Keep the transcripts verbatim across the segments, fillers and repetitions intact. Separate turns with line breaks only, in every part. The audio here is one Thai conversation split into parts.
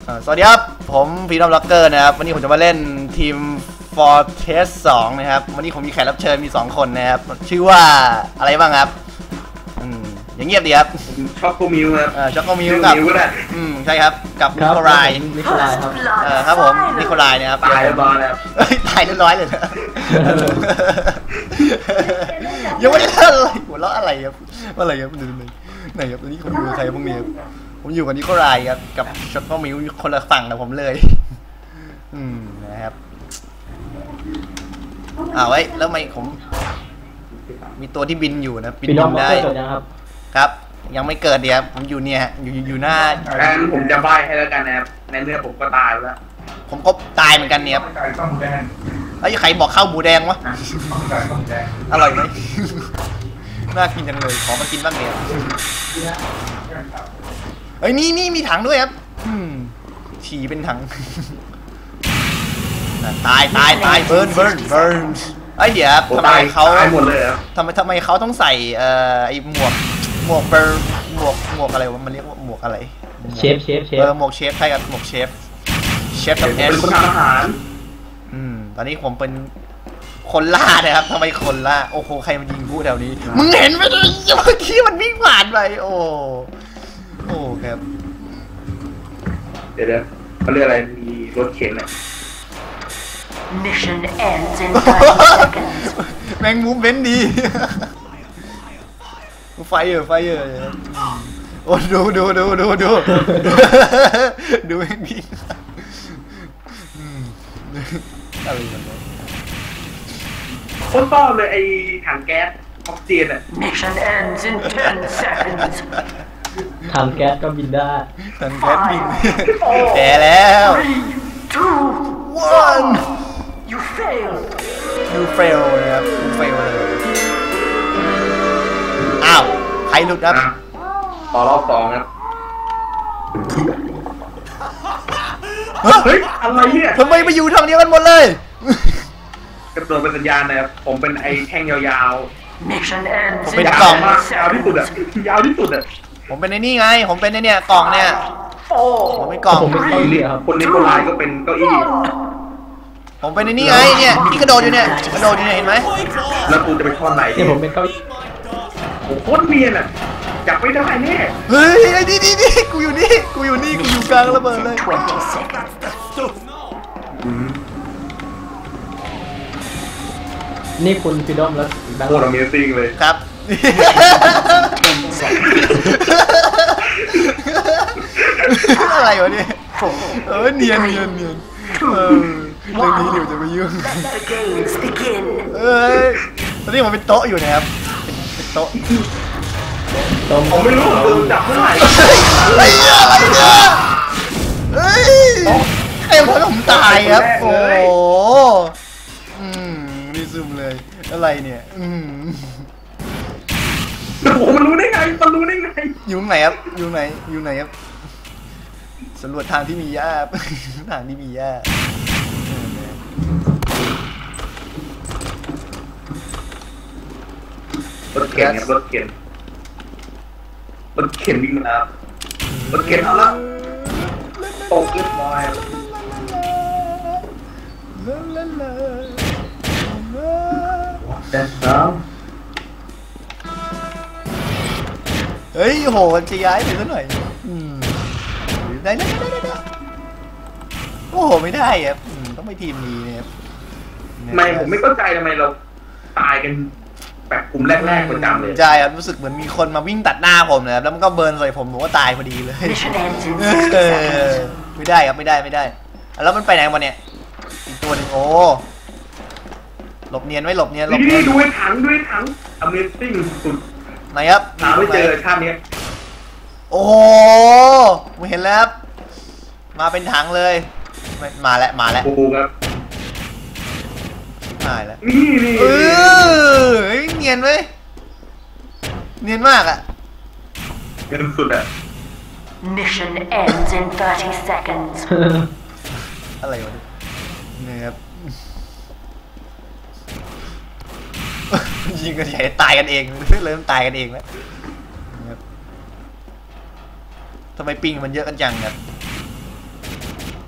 สวัสดีครับผมพีดอมล็อกเกอร์นะครับวันนี้ผมจะมาเล่นทีม Fortress สองนะครับวันนี้ผมมีแขกรับเชิญมีสองคนนะครับชื่อว่าอะไรบ้างครับอืมอย่างเงียบดีครับ
ช็อกโกมิวครับ
เออช็อกโกมิวกับอืมใช่ครับกับนิโคลาย
นิโคลายครับ
เออครับผมนิโคลายนะครับ
ตายเรียบร้อยแล้ว
ตายเรียบร้อยเลยยังไม่ได้เล่นอะไรหัวเราะอะไรครับอะไรครับดูดูไหนครับตอนนี้ผมอยู่กับใครพวกนี้ครับผมอยู่กับนิโคลายครับกับช็อกโกมิวคนละฝั่งกับผมเลยอืมนะครับอ้าวไว้แล้วทำไมผมมีตัวที่บินอยู่นะบินได้ครับยังไม่เกิดเดียวผมอยู่เนี่ยอยู่อยู่หน้า
งั้นผมจะใบ้ให้แล้วกันนะครับในเนื้อผมก็ตายแล้ว
ผมก็ตายเหมือนกันเนี่ยไอ้ใครบอกข้าวหมูแดงวะอร่อยไหมน่ากินจังเลยขอมากินบ้างเดียวเอ้ยนี่นี่มีถังด้วยครับฉี่เป็นถังตายตายตายเบิร์นเบิร์นเบิร์นไอ้เดี๋ยวทำไมเขาทำไมทำไมเขาต้องใส่เอ่อไอ้หมวกหมวกเบิร์นหมวกหมวกอะไรวะมันเรียกว่าหมวกอะไร
เชฟเชฟเชฟ
เออหมวกเชฟใช่ครับหมวกเชฟเชฟทำเอส
เป็นคนทำอาหาร
อืมตอนนี้ผมเป็นคนล่านะครับทำไมคนล่าโอ้โหใครมันยิงพูดแถวนี้มึงเห็นไหมเมื่อกี้มันวิ่งผ่านไปโอ้โอ้ครับ
เดี๋ยวเดี๋ยวเขาเรียกอะไรมีรถเข็นอ่ะ
Mission ends in thirty seconds
แมงมุมเว้นดีไฟเออไฟเออโอ้ดูดูดูดูดูดูแมงพี่อะไรกันเนี่ย
คนต้อเลยไอ้ถังแก๊สออกซิเจนอ่ะ
Mission ends in ten seconds
ถังแก๊สก็บินได้
ถังแก๊สบินแย่แล้ว
two
one
you fail
you fail นะครับ you fail เลยอ้าวใครหลุดครับ
ต่อรอบสองครับเฮ้ยอะไรเนี่ย
ทำไมไปอยู่ทางเดียวกันหมดเลย
กระโดดเป็นสัญญาณนะครับผมเป็นไอ้แท่งยาว
ๆ Mission ends
ผมเป็นกล่องมาก
ยาวที่สุดอะยาวที่สุดอะ
ผมเป็นไอ้นี่ไงผมเป็นไอ้เนี่ยกล่องเนี่ยผมเป็นกล่อง
ผมเป็นเก้าอี้ครับ
คนนี้คนร้ายก็เป็นเก้าอี้
ผมเป็นไอ้นี่ไงเนี่ยที่กระโดดอยู่เนี่ยกระโดดอยู่เนี่ยเห็นไหม
แล้วกูจะไปท่อนไหน
เนี่ยผมเป็นเก้าอี้
โอ้โหโคตรเนียนอะจับไม่ได้แน่
เฮ้ยไอ้นี่นี่นี่กูอยู่นี่กูอยู่นี่กูอยู่กลางระเบิดเลย
นี่คุณฟิดอมแล้ว
โคตร Amazing เลย
ครับอะไรวะเนี่ยเออเนียนเนียนเนียนเออเรื่องนี้เดี๋ยวจะไปยุ่งเอ้ยตอนนี้ผมเป็นโต๊ะอยู่นะครับเป็นโต๊ะ
ผมไม่รู้ผมจับเมื่อไหร่
อะไรเนี่ยอะไรเนี่ยเฮ้ยใครทำให้ผมตายครับโอ้อืมนี่ซึมเลยอะไรเนี่ยอืม
โอ้โหมันรู้ได้ไงมันรู้ได้ไง
อยู่ไหนครับอยู่ไหนอยู่ไหนครับสำรวจทางที่มีหญ้าทางที่มีหญ้าร
ถเข็นรถเข็นรถเข็นวิ่งมาแล้วรถเข็นเอาละตกเรียบร้อยแต่สาม
เฮ้ยโหจะย้ายไปสักหน่อยได้ได้ได้ได้โอ้โหไม่ได้ครับต้องไปทีมนี้เนี่ย
ไม่ผมไม่เข้าใจทำไมเราตายกันแบบกลุ่มแรกๆประจำเลย
ใช่ครับรู้สึกเหมือนมีคนมาวิ่งตัดหน้าผมนะครับแล้วมันก็เบิร์นใส่ผมผมก็ตายพอดีเลยไม่ได้ครับไม่ได้ไม่ได้แล้วมันไปไหนมาเนี่ยอีกตัวหนึ่งโอ้หลบเนียนไว้หลบเนียนหลบเนียน
ดูไอ้ถังด้วยถัง Amazing สุด
ไหนครับ
หาไม่เจอชาตินี้
โอ้โหผมเห็นแล้วมาเป็นถังเลยมาแล้วมาแล้ว
โอ้ครับ
มาแล้ว
นี่นี่
เออเนียนเว้ยเนียนมากอะ
เนียนสุดอะ
Mission ends in thirty seconds
อะไรวะเนี่ยครับยิงกันใหญ่ตายกันเองเริ่มตายกันเองแล้วทำไมปิงมันเยอะกันจังครับ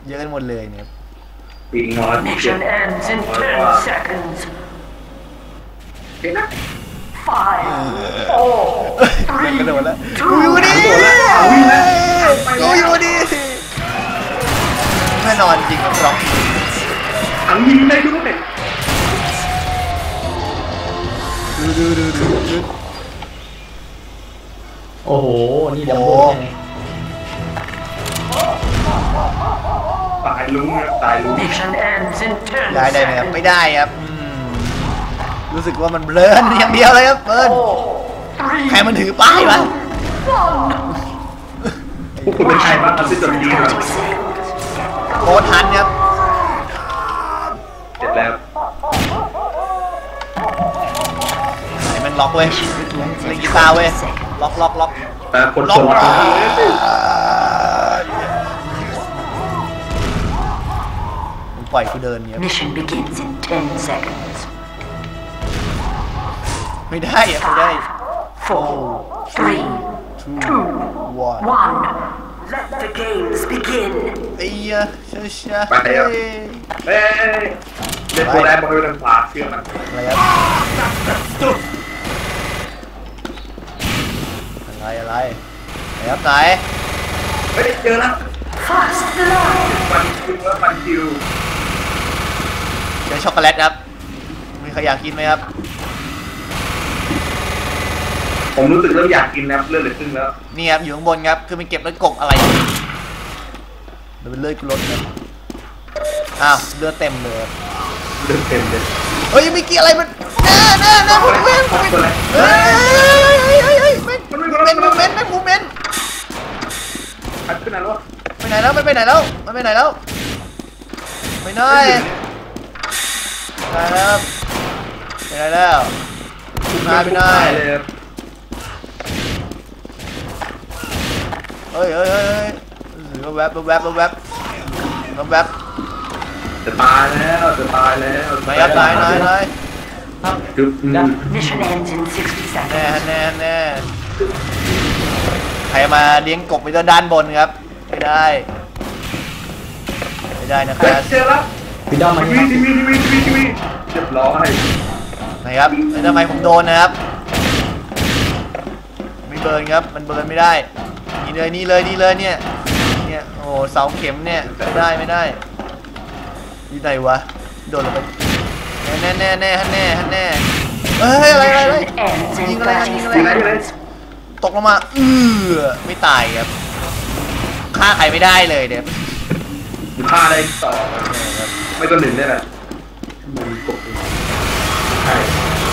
เยอะกันหมดเลยเนี่ย
ปีงอนเจ็ด
Mission ends in ten seconds.
เห็นนะ
Five, four,
กระโดด
three,
แล้วกูอยู่นี่กูอยู่นี่แน่นอนจริงครับร้อง
ถังยิงได้ด้วย
ดูดูดูดูดู
โอ้โห นี่ดัมโบ้ไง
ตายลุงนะตายลุง
Mission ends in ten
ย้ายได้ไหมครับ ไม่
seconds.
ได้ครับอืมรู้สึกว่ามันเบลออย่างเดียวเลยครับเบิร์น
Three,
ใครมันถือป้ายวะ
one.
พวกคุณเป็นใครบ้างครับที่จดดีครับ
โคตรทันครับ
เสร็จแล้ว
ไอ้แมันล็อกเว้ยเล่นกีตาร์เว้ยล็อกล็อกล็อก
แต่คน
ล็อ
ค
ก
น
มึงปล่อยกูเดินเนี่ย
Mission begins in ten seconds.
ไม่ได้อะไม่ได้
Four, three,
two one
one. Let the games begin.
ไอ้เหี้ยช้าช้า
ไปแล้ว เฮ้ยเล่นตัวแรกบอลไปทางขวาเชื่อมัน
อะไรครับอะไรอะไรไหนครับไหน
เฮ้ยเจอแล้ว
Fast blood.
ฟันคิวแล้วฟันคิว
เจอช็อกโกแลตครับมีใครอยากกินไหมครับ
ผมรู้สึกเริ่มอยากกินนะเลือดเหลือครึ่งแล้ว
นี่ครับอยู่ข้างบนครับคือมันเก็บแล้วกกอะไรเดี๋ยวเป็นเลือดกูลดครับอ้าวเลือดเต็มเลย
เลือดเต็มเลย
เฮ้ยไม่กี่อะไรมันแน่แน่แน่มูเมนต์เฮ้ยเฮ้ยเฮ้ยเฮ้ยเป็นมูเมนต์เป็นมูเมนต์
พัดขึ้นมาแล้ว
ไปไหนแล้วไม่ไปไหนแล้วไม่ไปไหนแล้วไปไหนไปแล้วไปไหนแล้วมาไปไหน
เลย
เฮ้ยเฮ้ยเฮ้ยเฮ้ยแวบแวบแวบแวบแวบ
จะตายแล้วจะตายแล้ว
ไหนครับไหนไหนไหน
ครับ
คือ
Mission ends in sixty
แน่
seconds.
แน่แน่ใครมาเลี้ยงกบไปด้านบนครับไม่ได้ไม่ได้นะค
เฮ้ย
รับ
เจอแล้ว
ฟิดอมมา
ที
นี่
วี
ครับ
ทีวีทีวีทีวีทีวีเรียบร้อย
ไหนครับแล้วทำไมผมโดนนะครับไม่เบิร์นครับมันเบิร์นไม่ได้นี่เลยนี่เลยนี่เลยเนี่ยเนี่ยโอ้เสาเข็มเนี่ยไม่ได้ไม่ได้อยู่ไหนวะโดนลงไปแน่แน่แน่ฮันแน่ฮันแน่เฮ้ยอะไรอะไรอะไร
Mission ends in
ยิงอะไร
thirty
ยิงอะไร
seconds.
ตกลงมาเออไม่ตายครับฆ่าใครไม่ได้เลยเนี่ย
ฆ่าได้ต่อไม่ก็หนึ่งได้แหละมันกบใช่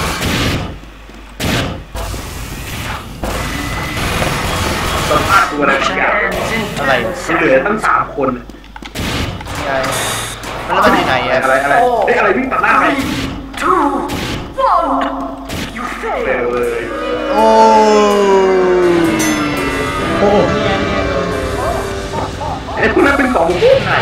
สัมภาษณ์ตัวอะไรบาง
Mission
อย่าง
ends in
อะไร
ten
มันเหลือ
seconds.
ตั้งสามคน
ไงแล้วมันอยู่ไหน
อะไร
อะ
อะไรเฮ้ยอะไรวิ่งตัดหน้าไป
Two, one. You
เร็ว
failed.
เลย
โอ้
โอ้โหนี่ไงนี่ไง
ไอ้พวกนั้นเป็นของพวกไหน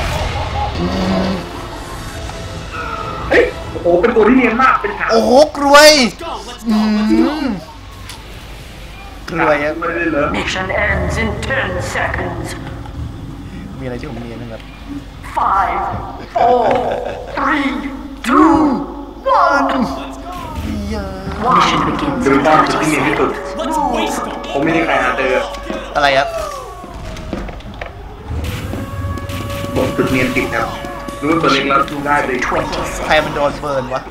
เฮ้ยโอ้โหเป็นตัวที่เนียนมากเป็นขา
โอ้โหกรวยอืมกรวยครับ
ไม่ได้เลย
Mission ends in ten seconds.
มีอะไรที่ผมเรียนนะครับ
Five, four, three, two, one. Mission begins
คือ
in
ตอน
thirty
ที่เนียนที่สุด
seconds.
ผมไม่ได้ใครหาเจอ
อะไรครับ
บอกจุดเนียนติดครับรู้ว่าตัวเล็กแล้วได้เลย
Twenty
ใคร
seconds.
มันโดนเบิร์นวะ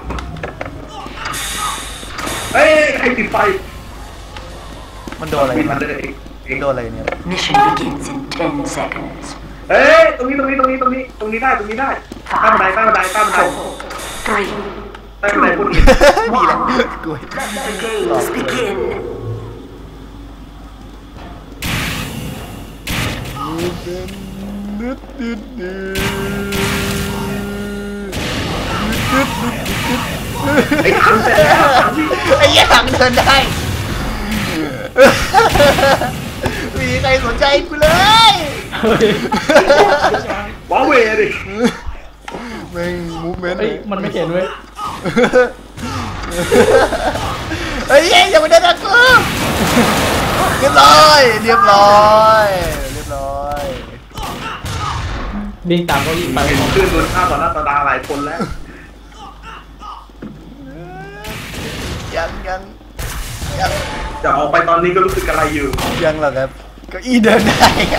เฮ้ยใครติดไฟ
มันโดนอะไร
มีมั
มาน
เลยเอง
โดนอะไรเนี่ย
Mission begins in ten seconds.
เฮ้ยตรงนี้ตรงนี้ตรงนี้ตรงนี้ตรงนี้ได้ตรงนี้ได้ใต้บันไดใต้บันไดใต้บันได
Four, three.
ใต้บันไดพวกนี้
มีแหละกรวย
Let the games begin.
ไอ้ถังเสร็จแล้ว
ไอ้ยี่ถังเดินได้มีใครสนใจกูเลย
เฮ้ย
ว้าวเวดิ
แม่งมูฟเมนต์
เฮ้ยมันไม่เห็นเว้ย
เฮ้ยอย่ามาเดินตะกูเรียบร้อยเรียบร้อยเรียบร้อย
วิ่งตามเขาอีกไป
เห็นเพื่อนโดนฆ่าต่อหน้าต่อตาหลายคนแล้ว
ยังยังยัง
จะออกไปตอนนี้ก็รู้สึกอะไรอยู่
ยังหรอครับเก็อีเดินได้อะ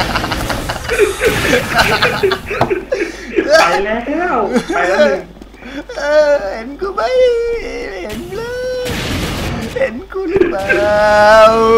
ไปแล้วไปแล้วหนึ่ง
เออเห็นกูไหมเห็นเลยเห็นกูหรือเปล่า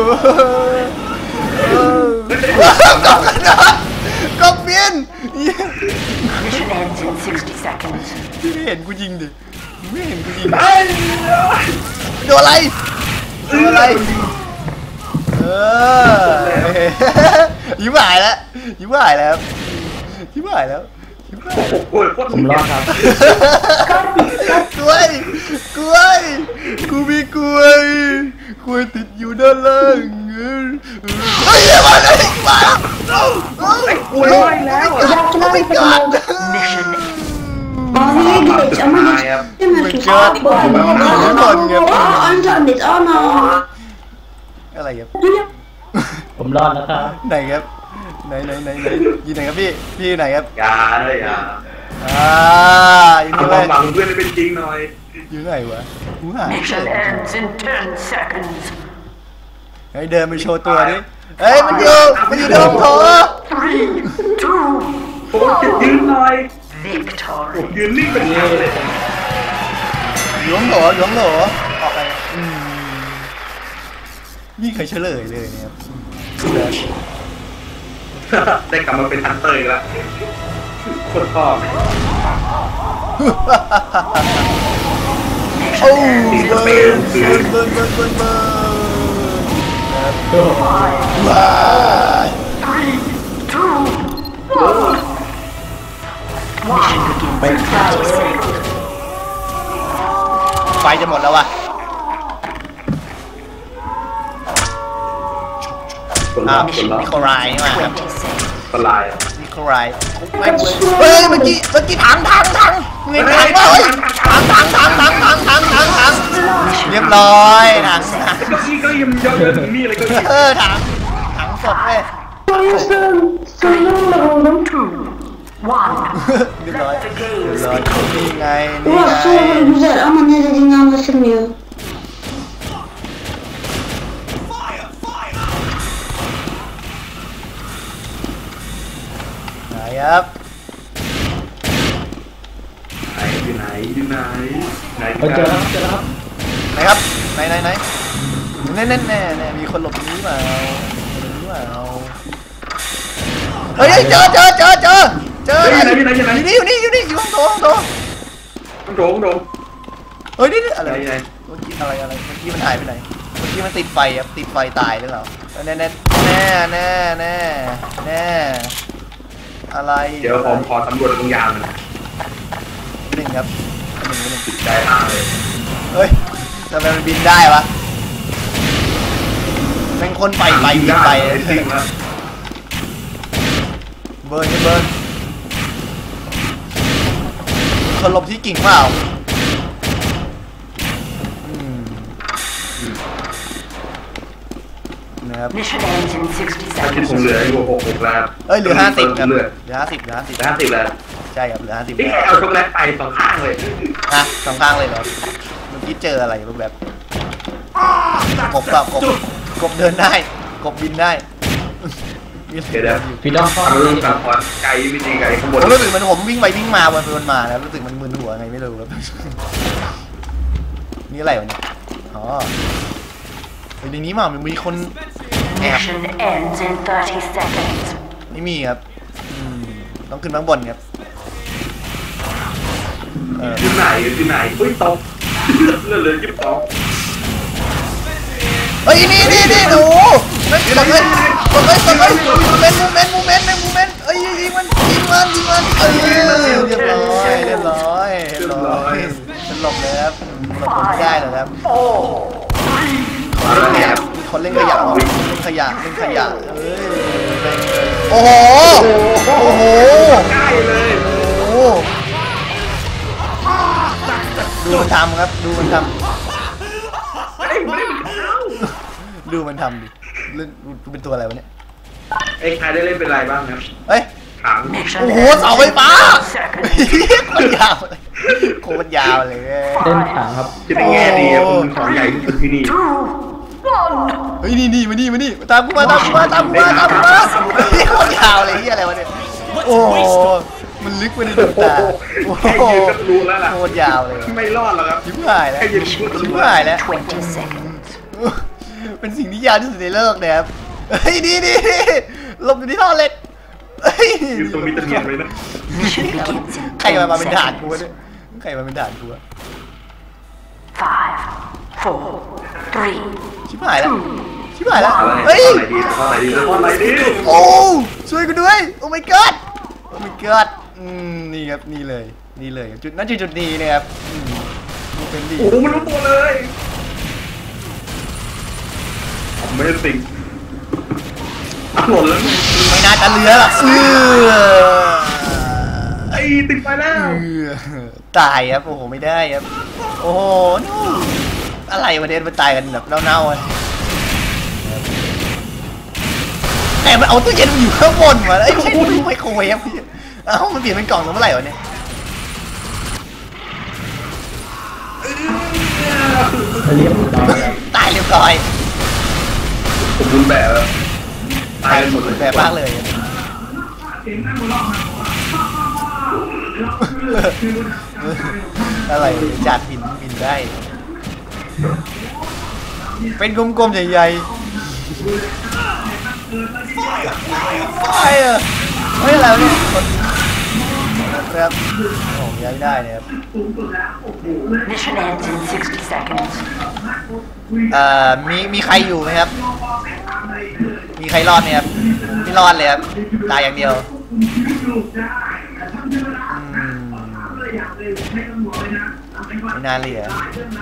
เออกบกันนะกบเบียน
Mission ends in sixty seconds.
พี่ไม่เห็นกูยิงดิไม่เห็นกูยิงโดนอะไรโดนอะไรเออยิ้มหายแล้วยิ้มหายแล้วยิ้มหายแล้วยิ้มหาย
โอ้โหโคตร
ผมรอดครับ
กล้วยกล้วยกูมีกล้วยกล้วยติดอยู่ด้านล่างเฮ้ยมาเลยมาไอ้กล้วยไปแล้วกูไม่กล้า
Mission
Oraya geç ama geçemezsin. Abi bu internet ana.
อะไรครับ
ผมรอดแล้วครับ
ไหนครับไหนไหนไหนไหนอยู่ไหนครับพี่พี่ไหนครับ
อย่าเลยอย่า
อ่าอยู่
เอา
นี่
ค
เล
วาม
ย
หวังเพื่อนให้เป็นจริงหน่อย
อยู่ไหนวะกูหา
Mission ends in ten seconds.
เฮ้ยเดินไปโชว์ตัวดิเฮ้ยมันอยู่มันอยู่ในห้องโถ
Three, two,
ผมจะยืนหน่อย
victory.
ยืนนิ่งเป็นทางเลย
อยู่ห้องโถอยู่ห้องโถออกไปอืมนี่เคยเฉลยเลยเนี่ยครับ
ได้กลับมาเป็นฮันเตอร์อีกแล้วคนพ่อ
โอ้เบิร์นเบิร์นเบิร์นเบิร์นเบิร์นเบิร์นเบิร์นว้าย
Three, two, one. Mission begins in thirty seconds.
ไฟจะหมดแล้ววะ
คน
อ้า
ละ
ว
คนละ
นิโคลายนี่มาครับ
Twenty seconds.
คนลายอ่ะ
นิโคลายไม่เฮ้ยเมื่อกี้เมื่อกี้ถังถังถังเงินถังเฮ้ยถังถังถังถังถังถังถังถังเรียบร้อยถังถัง
เก้าอี้ก็ยังเยอะเลยถึงนี่เลยเก็อี้
เออถังถังสดเลย
Soyasın. Soyunla oğlum.
One.
เรียบร้อยเรียบร้อยนี่ไงนี่
Ulan
ไง
soyalı güzel ama ne dediğini anlaşılmıyor.
ไหนครับ
ไหนอยู่ไหนอยู่ไหนไหน
ไปเจอแล้วครับเจอแล้วครับ
ไหนครับไหนไหนไหนแน่แน่แน่แน่มีคนหลบหนีเปล่าหลบหนีเปล่าเฮ้ยเจอเจอเจอเจอเจออยู่นี่อยู่นี่อยู่นี่อยู่ห้องโถห้องโถ
ต้องโดนต้องโดน
เฮ้ยนี่อะไร
ไหนไหน
เมื่อกี้อะไรอะไรเมื่อกี้มันหายไปไหนเมื่อกี้มันติดไฟครับติดไฟตายหรือเปล่าแน่แน่แน่แน่แน่แน่อะไร
เดี๋ยวผมขอสำรวจตรงยาวหน่อย
หนึ่งครับหนึ่งหนึ่ง
ติดใจมากเลย
เฮ้ยทำไมมันบินได้วะเป็นคนไปไปบินไป
จริงแล้ว
เบิร์นเบิร์นคนหลบที่กิ่งเปล่าอืมนะครับ
Mission ends in sixty
ถ้าคิด
seconds.
ผมเหลืออยู่หกหกแล้ว
เอ้ยเหลือห้าสิบครับ
เห
เห
ลื
ลื
อ
อห้าสิบเหลือห้าสิบ
ห้าสิบแล้ว
ใช่ครับเหลือห้าสิบ
นี่แค่เอาช็อกโกแลตไปสองข้างเลย
อ่ะสองข้างเลยเหรอเมื่อกี้เจออะไรรูปแบบกบเปล่ากบกบเดินได้กบบินได้
เดี๋ยวเดี๋ยว
พี่ดอมเข้า
เอา
มา
เรื่องสามพอไกลไม่จริงไกลข้างบน
ผมรู้สึกมันผมวิ่งไปวิ่งมาวนไปวนมาแล้วรู้สึกมันมึนหัวไงไม่รู้ครับ นี่อะไรวะเนี่ยอ๋อในนี้มามันมีคนแอบ
Mission ends in thirty seconds.
ไม่มีครับอืมต้องขึ้นข้างบนครับเออ
อยู่ไหนอยู่ไหนอุ้ยตกเลือดเหลือยี่สิบสอง
เฮ้ยนี่นี่นี่หนูไม่กดเลยกดเลยกดเลยมูเมนต์มูเมนต์มูเมนต์มูเมนต์เอ้ยยิงมันยิงมันยิงมันเออเรียบร้อยเรียบร้อยเรียบร้อยฉันหลบเลยครับหลบไม่ได้หรอกครับ
มาแล้วเนี่ย
มีคนเล่นขยะเล่นขยะเล่นขยะเอ้ยโอ้โหโอ้โห
ใกล้เลย
โอ้โหดูมันทำครับดูมันท
ไม่ได้ไม่ได้เป็นเขา
ำดูมันทำดิเล่นดูเป็นตัวอะไรวะเนี่ย
ไอ้ใครได้เล่นเป็นไรบ้างครับ
เฮ้ย
ถัง
Mission
โอ้โห
ends
เสาไฟ
in
ฟ้า
ten seconds.
โคตรยาวเลยโคตรยาวเลย
เล่นถังครับ
จะได้แง่ดีอะคุณของใหญ่ที่สุดที่นี่
Two, one.
เฮ้ยนี่นี่มานี่มานี่ตามกูมาตามกูมาตามกูมาตามกูมาเฮ้ยโคตรยาวเลยที่อะไรวะเนี่ยโอ้โหมันลึกไปในดวงตาโอ้โห
แค่ยืนก็รู้แล้วล่ะ
โคตรยาวเลย
ไม่รอดหรอกครับ
ชิบหายแล้ว
แค่ยืนก็
ชิ
รู้
บหายแล้ว
Twenty seconds.
เป็นสิ่งที่ยาวที่สุดในโลกนะครับเฮ้ยดีดีหลบอยู่ที่ท่อเหล็กเฮ้ย
อยู่ตรงนี้จะเนียนไหมนะ
Mission begins in
ใครมา
ten
มาเป็นด่านกูวะ
seconds.
เนี่ยใครมาเป็นด่านกูวะ
Five, four, three.
ชิบหายแล้วชิบหายแล้ว
อะไร
เฮ้ย
อะไรดีอะไรดีอะไรดี
โอ้ช่วยกูด้วยโอ้ my god โอ้ my god อืมนี่ครับนี่เลยนี่เลยจุดนั่นจุดจุดนี้นะครับอืมดูเป็นดี
โอ้โหมันรู้ตัวเลยผมไม่ได้ติงอ่ะหล่นแล้วไง
ไม่น่าจะเหลือหรอกเออ
ไอ้ติดไปแล้ว
เออตายครับโอ้โหไม่ได้ครับโอ้โหนู่นอะไรวะเดนมันตายกันแบบเน่าๆอะแต่มันเอาตู้เย็นมันอยู่ข้างบนมาแล้วไอ้ไม่ใช่ตู้ไมโครเวฟเอ้ามันเปลี่ยนเป็นกล่องแล้วเมื่อไหร่วะเนี่ย
เรียบร้อยครับ
ตายเรียบร้อย
ผมบุญแบบแล้วตายกันหมดเลย
แบบมากเลยอะไรจัดบินบินได้ เป็นกลมๆใหญ่ๆไฟอะเฮ้ยอะไรวะเนี่ยครับโอ้ย้ายได้เนี่ยครับ
Mission ends in sixty seconds.
เอ่อมีมีใครอยู่ไหมครับ มีใครรอดไหมครับไม่รอดเลยครับตายอย่างเดียวอืมไม่น่าเหลือ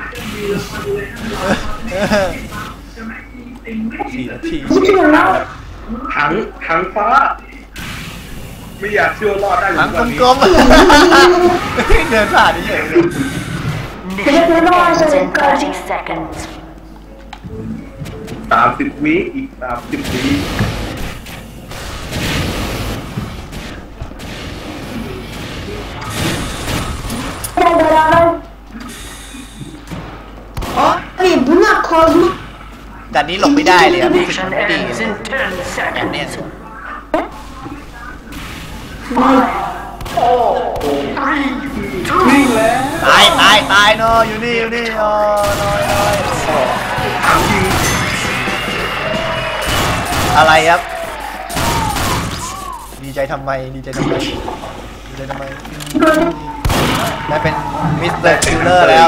สี่นาที
พูดถึงแล้ว
ถังถังฟ้า ไม่อยากเชื่อรอดได้เหมื
ทั้
อง นกันนี้
กลมๆเดินผ่านเฉย
Mission ends in thirty seconds.
สามสิบวิอีกสามสิบวิ
Abi buna kazma
ๆดันนี้หลบไม่ได้เลยครับ
Mission
ไม่ดี
ends
เลย
in ten
แบบเนี้ย
seconds. Five, four, three, two.
ตายตายตายเนาะอยู่นี่อยู่นี่โอ้น้อยน้อย
ถังยิง
อะไรครับ ดีใจทำไมดีใจทำไมดีใจทำไมได้เป็นมิสเตอร์คิลเลอร์แล้ว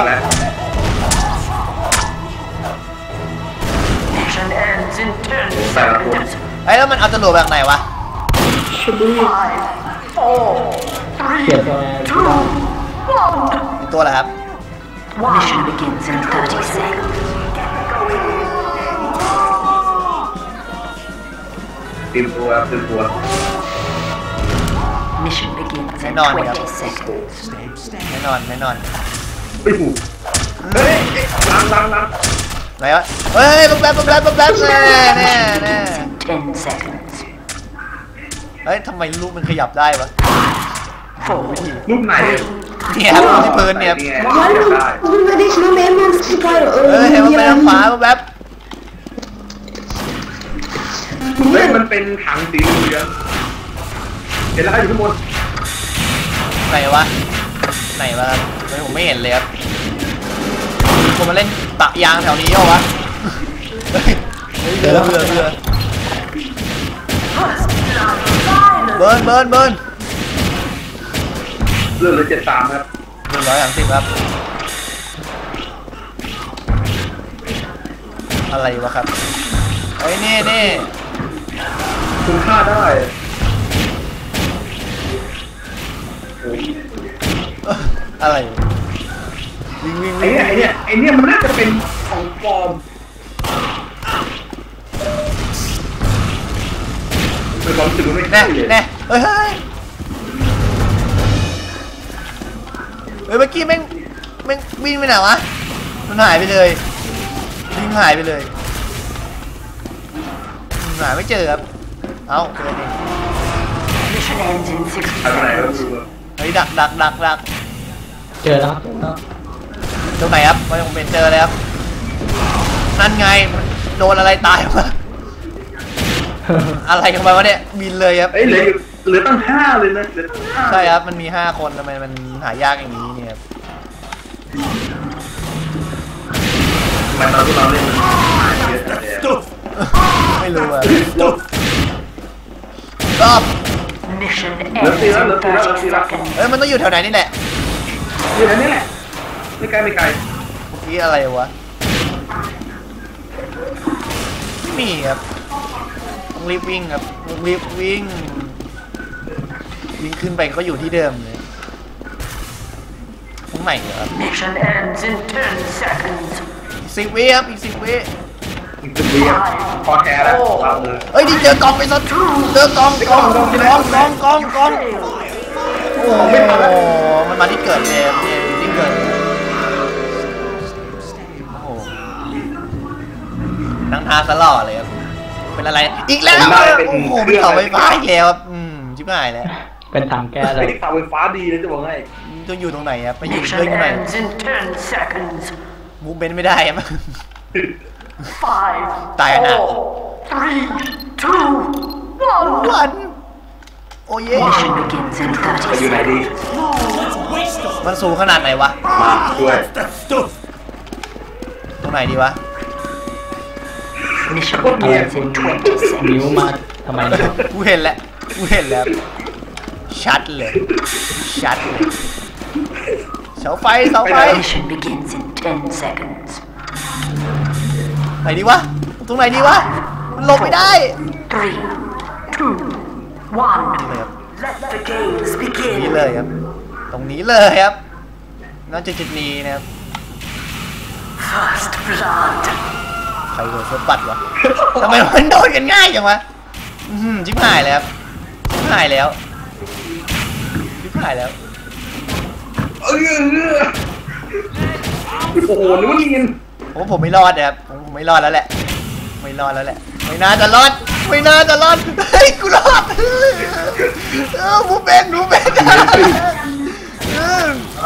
Mission ends in ten
แต่ละคน
seconds.
ไอ้ยแล้วมันเอาจรวดแบบไหนวะ
Five, four,
เปลี่ยน
three,
ตัว
two, one.
เป็นตัวอะไรครับ
Mission begins in thirty seconds.
เตรียมตัวเตรียมตัว
Mission begins in
Hang on,
twenty
yeah.
seconds.
แน่นอนแน่นอน
ไม่ถูกเฮ้ยล้างล้างล้าง
ไหนวะเฮ้ยปุ๊บแป๊บปุ๊บแป๊บปุ๊บแป๊บแน่แน่แน่
Ten seconds.
เฮ้ยทำไมลูกมันขยับได้วะ
Four,
รูปไหน
เนี่ยครับที่พื้นเนี่ยครับ
นี่ไง
yani
ได้
bunda da şunu hemen çıkar
เฮ้ยเห็นมันไปทางขวาปุ๊บแป๊บ
เฮ้ยมันเป็นถังสีเหลืองเห็นแล้วอยู่ข้างบน
ไหนวะไหนวะครับเฮ้ยผมไม่เห็นเลยครับผมมาเล่นปะยางแถวนี้เหรอวะเฮ้ยเฮ้ยเรือเรือเรือเบิร์นเบิร์นเบิร์น
เรื่องเลยเจ็ดสามครับ
หนึ่งร้อยสามสิบครับอะไรวะครับเฮ้ยนี่นี่
คุณค่าได้โอ้ย
เอ้ออะไรวิ่งวิ่ง
ไอ้
วิ่ง
เนี่ยไอ้เนี่ยไอ้เนี่ยมันน่าจะเป็นของปลอมเป็นความรู้สึกมันไม่
แน่
ใช่เลย
แน่เฮ้ยเฮ้ยเฮ้ยเมื่อกี้แม่งแม่งวิ่งไปไหนวะมันหายไปเลยวิ่งหายไปเลยหาไม่เจอครับเอ้าเจอเอง
Mission Mission ends in sixty
ทำอะไรก็
seconds.
คือ
เฮ้ยดักดักดักดัก
เจอแล้วครับเจอแล้ว
ตรงไหนครับไม่ผมเป็นเจอเลยครับนั่นไงมันโดนอะไรตายวะอะไรกันไปวะเนี่ยบินเลยครับ
เอ้ยเหลืออยู่เหลือตั้งห้าเลยนะเหลือตั้งห้า
ใช่ครับมันมีห้าคนทำไมมันหายากอย่างนี้เนี่ยครับ
มันตอนที่เราเล่นมันเยอะจังเลย
ไม่รู้อะรอบ
Mission ends in thirty seconds.
เอ้ยมันต้องอยู่แถวไหนนี่แหละ
อยู่ในนี้แหละไม่ไกลไม่ไกล
เมื่อกี้อะไรวะไม่มีครับต้องรีบวิ่งครับต้องรีบวิ่งวิ่งขึ้นไปก็อยู่ที่เดิมเลยตรงไหนเหรอครับ
Mission ends in ten seconds.
อีกสิบวิครับอีกสิบวิ
อีกสิบวิอ่ะพอแท้แล้วเราเลย
เฮ้ยดิเจอกองไปซะเจอกองกองกองกองกองกองกองโอ้โหมันมาที่เกิดเลยครับเนี่ยที่เกิดโอ้โหนั่งทาสล่อเลยครับเป็นอะไรอีกแล้วโอ้โหเป็นเสาไฟฟ้าอีกแล้วครับอืมชิบหายแล้ว
เป็นถังแก้เล
ไอ้
ย
ที่เสาไฟฟ้าดีเลยจะบอกให้
ต้องอยู่ตรงไหนครับไปอยู่
Mission
เรื่องไหน
ends in ten seconds.
มูฟเมนต์ไม่ได้ครับ
Five,
Tài nạn.
four, three, two, one.
วันโอ้เย่
Mission begins in
ไปอยู่
thirty
ไหนดี
seconds.
มันสูงขนาดไหนวะ
มาด้วย
ตรงไหนดีวะ
Mission begins in twenty
นิ้ว
seconds.
มาทำไมนะครับ
กูเห็นแล้วกูเห็นแล้วชัดเลยชัดเลยเสาไฟเสาไฟ
Mission begins in ten seconds.
ไหนดีวะตรงไหนดีวะมันหลบไม่ได้
Three, two, one.
เลยครับ
Let the games
นี่
begin.
เลยครับ ตรงนี้เลยครับน่าจะจุดนี้นะครับ
First blood.
ใครโดนเฟิร์สบัตรวะทำไมมันโดนกันง่ายจังวะอื้อหือชิบหายแล้วครับชิบหายแล้วชิบหายแล้ว
เออโอ้โหนึกว่ายิน
ผมผมไม่รอดนะครับผมผมไม่รอดแล้วแหละไม่รอดแล้วแหละไม่น่าจะรอดไม่น่าจะรอดเฮ้ยกูรอดเออกูเป็นกูเป็นเออ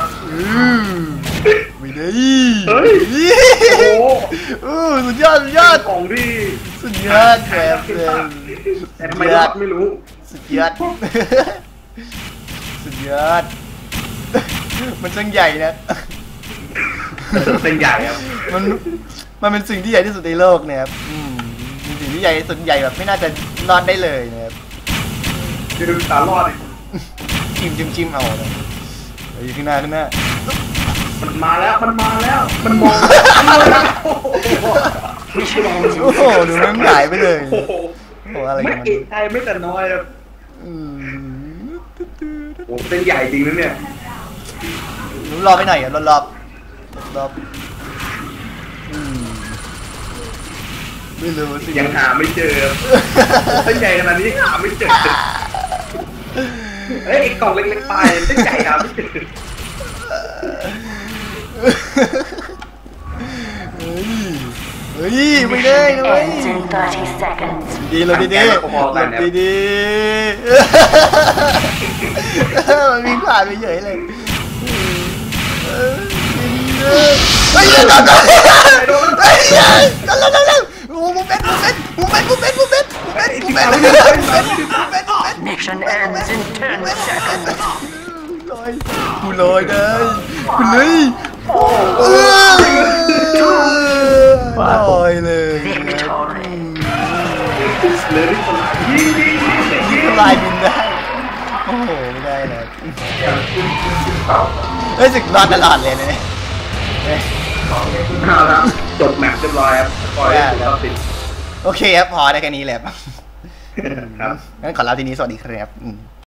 ไม่ได้
เฮ้ยโอ้โห
เออสุดยอดสุดยอด
ของที่
สุดยอดแบบเลย
แต่ทำไมรอดไม่รู้
สุดยอดสุดยอดมันช่างใหญ่นะ
เป็นใหญ่ครับ
มันมันเป็นสิ่งที่ใหญ่ที่สุดในโลกเนี่ยครับอืมเป็นสิ่งที่ใหญ่ที่สุดใหญ่แบบไม่น่าจะรอดได้เลยนะครับ
คือตารอด
จิ้มจิ้มจิ้มเอาเลยเฮ้ยขึ้นหน้าขึ้นหน้า
มันมาแล้วมันมาแล้วมันมองมันมาแล้วโอ้โห
Mission ends in
โอ้โหดูมันหายไปเลย
โอ้โห
โอ้โหอะไร
ไม่
กันมัน
เอกใจไม่แต่น้อยครับ
อืม
โอ้เป็นใหญ่จริงนะเนี่ย
หนูรอไปหน่อยอ่ะรอบรอบรอบอืมไม่รู้สิ
ยังหาไม่เจอเป็นใหญ่ขนาดนี้หาไม่เจอเอ้ยไอ้กล่องเล็กๆไปเป็นใหญ่หาไม่เจอ
เฮ้ยเฮ้ยไม่ได้
Mission
เลย
ends in thirty seconds.
ดีเราดีดีเราดีดีมันมีผ่านไปเฉยเลยเฮ้ยเดี๋ยวเดี๋ยวเดี๋ยวเฮ้ยเดี๋ยวเดี๋ยวเดี๋ยวเดี๋ยวโอ้โหเป็นเป็นเป็นเป็นเป็นเป็นเป็นเป็นเป็นเป็น
Mission ends in ten seconds.
ลอยกูลอยได้กูเลยลอยเลย
Victory.
เลยที่คนยิงยิงยิงยิงยิง
ลายบินได้โอ้โหไม่ได้เลยเฮ้ยสึกรอดตลอดเลยเนี่ย
เอาละจบแมตช์เรียบร้อยครับปล่อยให้เราติด
โอเคครับพอได้แค่นี้แหละ
ครับ
งั้นขอลาทีนี้สวัสดีครับ